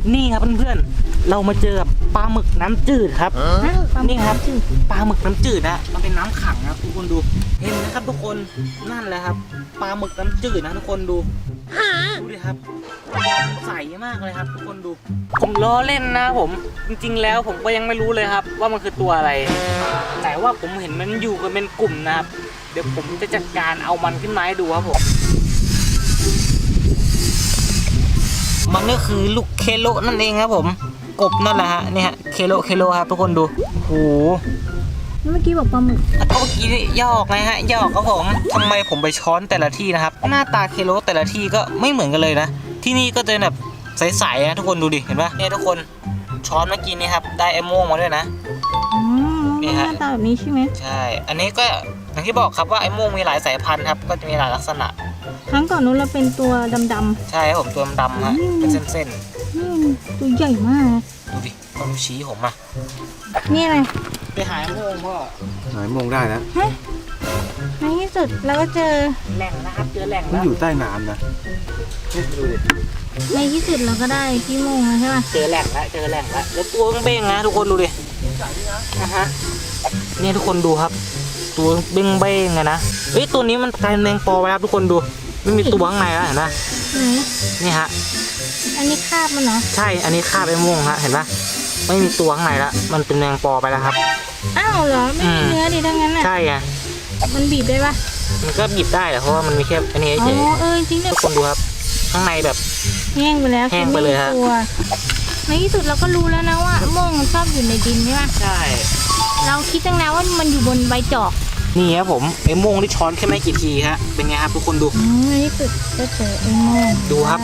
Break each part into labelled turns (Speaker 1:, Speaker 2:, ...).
Speaker 1: นี่ครับเพื่อนๆเรามาเจอกับปลาหมึกน้ำจืดครับนี่ครับปลาหมึกน้ำจืดนะมันเป็นน้ำขังนะทุกคนดูเห็นนะครับทุกคนนั่นแหละครับปลาหมึกน้ำจืดนะทุกคนดูดิครับใสมากเลยครับทุกคนดูผมล้อเล่นนะผมจริงๆแล้วผมก็ยังไม่รู้เลยครับว่ามันคือตัวอะไรแต่ว่าผมเห็นมันอยู่กันเป็นกลุ่มนะครับเดี๋ยวผมจะจัดการเอามันขึ้นมาให้ดูครับผมมันก็คือลูกเคโลนั่นเองครับผมกบนั่นแหละฮะนี่ฮะเคโลครับทุกคนดูโห
Speaker 2: เมื่อกี้บอกปลาหมึก
Speaker 1: เมื่อกี้ยอกไงฮะยอกครับผมทำไมผมไปช้อนแต่ละที่นะครับหน้าตาเคโลแต่ละที่ก็ไม่เหมือนกันเลยนะที่นี่ก็จะแบบใสๆนะทุกคนดูดิเห็นปะเนี่ยทุกคนช้อนเมื่อกี้นี้ครับได้ไอ้โม่งมาด้วยนะ
Speaker 2: นี่ฮะหน้าตาแบบนี้ใช่ไหม
Speaker 1: ใช่อันนี้ก็อย่างที่บอกครับว่าไอ้โม่งมีหลายสายพันธุ์ครับก็จะมีหลายลักษณะ
Speaker 2: ครั้งก่อนนู้นเราเป็นตัวดำๆ
Speaker 1: ใช่ครับผมตัวดำฮะเป็นเส้น
Speaker 2: ๆตัวใหญ่มาก
Speaker 1: ดูดิต้องชี้ผมอ่ะ
Speaker 2: นี่อะไร
Speaker 1: ไปหาโม่งพ่อ
Speaker 3: หายโมงได้แล้ว
Speaker 2: ในที่สุดเราก็เจอ
Speaker 1: แหล่งนะครับเจอแหล่ง
Speaker 3: มันอยู่ใต้น้ำนะดูดิ
Speaker 2: ในที่สุดเราก็ได้พี่โมงแล้วใช่ป่ะ
Speaker 1: เจอแหล่งแล้วแล้วตัวเบ้งนะทุกคนดูดินะฮะนี่ทุกคนดูครับตัวเบ้งนะเฮ้ยตัวนี้มันกลายเป็นแมงปอไปครับทุกคนดูไม่มีตัวข้างในแล้วเห็นไหมนี่ฮะ
Speaker 2: อันนี้คาบมันเหรอ
Speaker 1: ใช่อันนี้คาบไอ้โม่งฮะเห็นปะไม่มีตัวข้างในแล้วมันเป็นแมงปอไปแล้วครับ
Speaker 2: อ้าวเหรอไม่มีเนื้อดิทั้งนั้นอ่ะ
Speaker 1: ใช่ไง
Speaker 2: มันบีบได้ปะ
Speaker 1: มันก็บีบได้แหละเพราะว่ามันมีแค่อันนี้เฉย
Speaker 2: จริงเลย
Speaker 1: ทุกคนดูครับข้างในแบบ
Speaker 2: แห้งไปแล้ว
Speaker 1: แห้งไปเลยฮะ
Speaker 2: ในที่สุดเราก็รู้แล้วนะว่าโม่งมันชอบอยู่ในดินใช่ไหม
Speaker 1: ใช่
Speaker 2: เราคิดตั้งนานว่ามันอยู่บนใบจอก
Speaker 1: นี่ครับผมไอ้โม่งที่ช้อนแค่ไม่กี่ทีฮะเป็นไงครับทุกคนดู
Speaker 2: ในที่สุดก็เจอไอ้โม่ง
Speaker 1: ดูครับ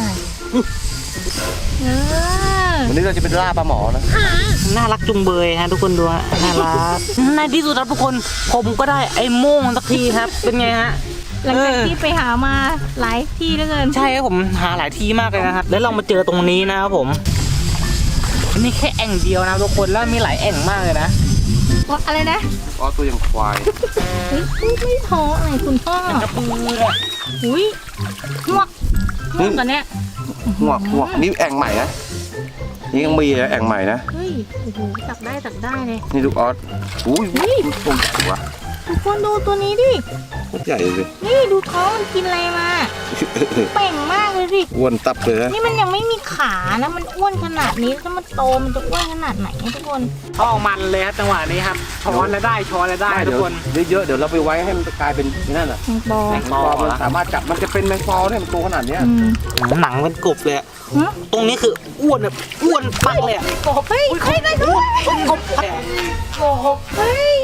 Speaker 3: วันนี้เราจะเป็นล่าปลาหมอนะ
Speaker 1: น่ารักจุงเบยฮะทุกคนดูฮะน่ารักในที่สุดครับทุกคนผมก็ได้ไอ้โม่งสักทีครับเป็นไงฮะ
Speaker 2: หลังจากที่ไปหามาหลายที่เหลือเกิน
Speaker 1: ใช่ครับผมหาหลายที่มากเลยนะครับแล้วเรามาเจอตรงนี้นะครับผมนี่แค่แอ่งเดียวนะทุกคนแล้วมีหลายแอ่งมากเลยนะ
Speaker 2: ว่าอะไรนะ
Speaker 3: ตัวอย่างควาย
Speaker 2: ไม่ท้ออะไรคุณพ่อก
Speaker 1: ระปือเลย
Speaker 2: อุ้ยหวกกันเนี้ย
Speaker 3: หวกนี่แอ่งใหม่นะนี่ยังมีแอ่งใหม่นะ
Speaker 2: เฮ้ยโอ้โหตักได้เลย
Speaker 3: นี่ลูกออสอุ้ยตัวใหญ่วะ
Speaker 2: ทุกคนดูตัวนี้ดิ
Speaker 3: ใหญ่เลย
Speaker 2: นี่ดูท้องมันกินอะไรมาเป่งมากเลยดิ
Speaker 3: อ้วนตับเลย
Speaker 2: นี่มันยังไม่มีขานะมันอ้วนขนาดนี้ถ้ามันโตมันจะอ้วนขนาดไหนทุกคน
Speaker 1: ท้องมันเลยครับจังหวะนี้ครับช้อนแล้วได้ทุกคน
Speaker 3: เยอะๆเดี๋ยวเราไปไว้ให้มันกลายเป็นนั่นน่ะแมงปอมันสามารถจับมันจะเป็นแมงปอเนี่ยมันโตขนาดนี้
Speaker 1: หนังมันกรุบเลยตรงนี้คืออ้วนแบบอ้วนปักเลย
Speaker 2: กบเฮ้ยได้ด้วย
Speaker 1: กบ
Speaker 2: เฮ้ย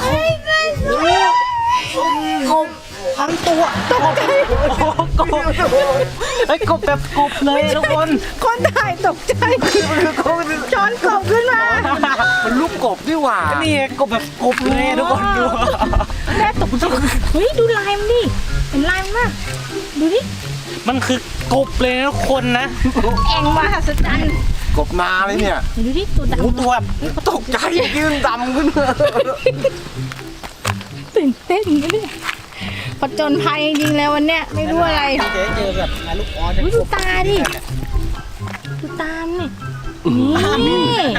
Speaker 1: กบทั้งตัว
Speaker 2: ตกใจ
Speaker 1: กบไอ้กบแบบกบเลยทุก
Speaker 2: คนถ่ายตกใจช้อนกบขึ้นมา
Speaker 3: มันลูกกบนี่หว่า
Speaker 1: นี่กบแบบกบเลยทุกคนดู
Speaker 2: แม่ตกใจเฮ้ยดูลายมันดิเห็นลายมันมั้ยดูดิ
Speaker 1: มันคือกบเลยทุกคนนะ
Speaker 2: แองมหัศจรรย์
Speaker 3: กบนาเลยเนี่ย
Speaker 2: ดูดิตัวดำ
Speaker 3: ตัวตกใจยืนดำขึ้น
Speaker 2: ตื่นเต้นเลยผจญภัยจริงๆแล้ววันเนี้ยไม่รู้อะไร
Speaker 1: เจอแบบลูกออส
Speaker 2: ดูตาดิดูตามนี่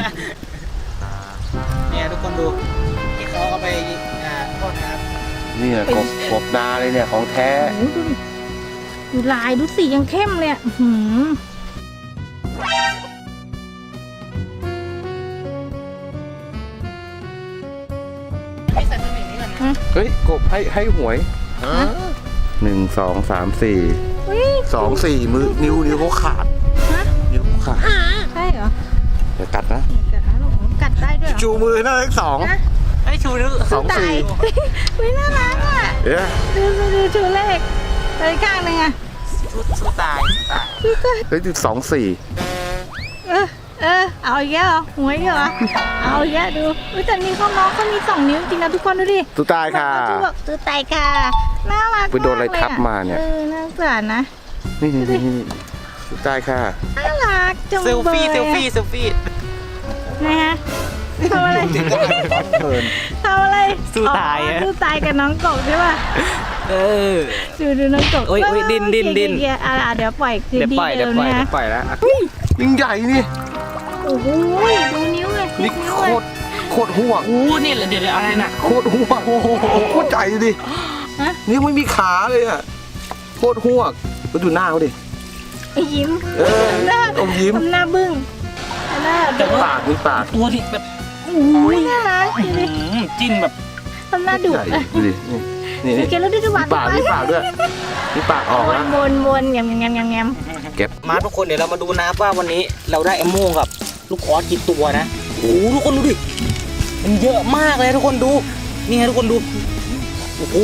Speaker 1: เนี่ยทุกคนดูที่เขาเอาไปทอดนะครับ
Speaker 3: นี่แหละกบนาเลยเนี่ยของแท้
Speaker 2: ดูลายดูสียังเข้มเลย
Speaker 3: เฮ้ยกบให้หวย1 2 3 4 2 4มือนิ้วเขาขาดนิ้วขาด
Speaker 2: ใช่เหรอ
Speaker 3: เดี๋ยวกัดนะ
Speaker 2: กัดได้ด้วย
Speaker 3: ชูมือหน้าเลข2
Speaker 1: ไอ้ชูนิ้ว
Speaker 3: 2 4
Speaker 2: ไม่น่ารักอ่ะดูชูเลขเลยข้างนึงอ่ะ
Speaker 1: สู้ตาย
Speaker 3: เฮ้ย2 4
Speaker 2: เอาอีกแล้วหวยเหรอเอาอีกแล้วดูแต่นี่เขาน้องเขามี2 นิ้วจริงนะทุกคนดูดิ
Speaker 3: ตู้ตายค่ะ
Speaker 2: ตู้ตายค่ะน่ารัก
Speaker 3: ไปโดนอะไรทับมาเนี่ย
Speaker 2: น่าสงสารนะ
Speaker 3: นี่ตู้ตายค่ะ
Speaker 2: น่ารักจังเลย
Speaker 1: เซลฟี่
Speaker 2: นะฮะทำอะไร
Speaker 1: สู้ตาย
Speaker 2: กับน้องกบใช่ป่ะดูน้องกบ
Speaker 1: โอ้ยดิน
Speaker 2: เดี๋ยวปล่อย
Speaker 1: แล้ว
Speaker 3: ยิ่งใหญ่นี่
Speaker 2: โอ้โหดูนิ้วเลย
Speaker 3: นี่
Speaker 2: นิ้ว
Speaker 3: โค
Speaker 2: เลย
Speaker 3: ตรโคตรห่วง
Speaker 1: โอ้นี่แหละเดี๋ยวอะไรน่ะ
Speaker 3: โคตรห่วงโอ้โหโคตรใจดูดิ
Speaker 2: ฮะ
Speaker 3: นี่ไม่มีขาเลยอ่ะโคตรห่วงมาดูหน้าเขาดิ
Speaker 2: ไอ้ยิ้ม
Speaker 3: เออ
Speaker 2: ทำหน้า
Speaker 3: อมยิ้ม
Speaker 2: ทำหน้าบึ้งหน้า
Speaker 1: แต่ว่า
Speaker 3: ปากมีปาก
Speaker 1: ตัวที่แบบ
Speaker 2: โอ้ยน่ารักดูดิ
Speaker 1: จิ้นแบบ
Speaker 2: ทำหน้าดุ
Speaker 3: ใหญ่ดูดินี่
Speaker 2: สัง
Speaker 3: นี่
Speaker 2: เกตแล้วดูดิหวาน
Speaker 3: มีปากด้วยมีปากออก
Speaker 2: ว
Speaker 3: แล้
Speaker 2: น
Speaker 3: ว
Speaker 2: วนแงม
Speaker 3: เก็บ
Speaker 1: มาทุกคนเดี๋ยวเรามาดูนะครับว่าวันนี้เราได้ไอ้โม่งกับลูกออสกี่ตัวนะโอ้โหทุกคนดูดิมันเยอะมากเลยทุกคนดูนี่ฮะทุกคนดูโอ้โห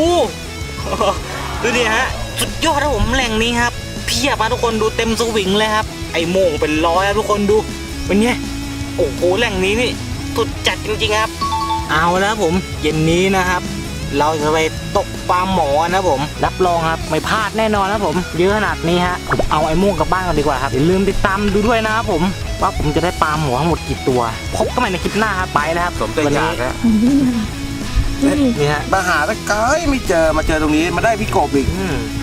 Speaker 1: ดูดิฮะสุดยอดครับผมแหล่งนี้ครับเพียบมาทุกคนดูเต็มสวิงเลยครับไอ้โม่งเป็นร้อยครับทุกคนดูเป็นไงโอ้โหแหล่งนี้นี่สุดจัดจริงๆครับ เอาแล้วผมเย็นนี้นะครับ เราจะไปตกปลาหมอนะผมรับรองครับไม่พลาดแน่นอนนะผมเยอะขนาดนี้ฮะผมเอาไอ้โม่งกลับบ้านกันดีกว่าครับอย่าลืมติดตามดูด้วยนะครับผมว่าผมจะได้ปลาหมอทั้งหมดกี่ตัวพบกันใหม่ในคลิปหน้าครับไปแล้วครับ
Speaker 3: สมใจอยากแล้ว
Speaker 1: นี่ฮะ
Speaker 3: มาหาตะไกร้ไม่เจอมาเจอตรงนี้มาได้พี่กบอีก
Speaker 1: อืม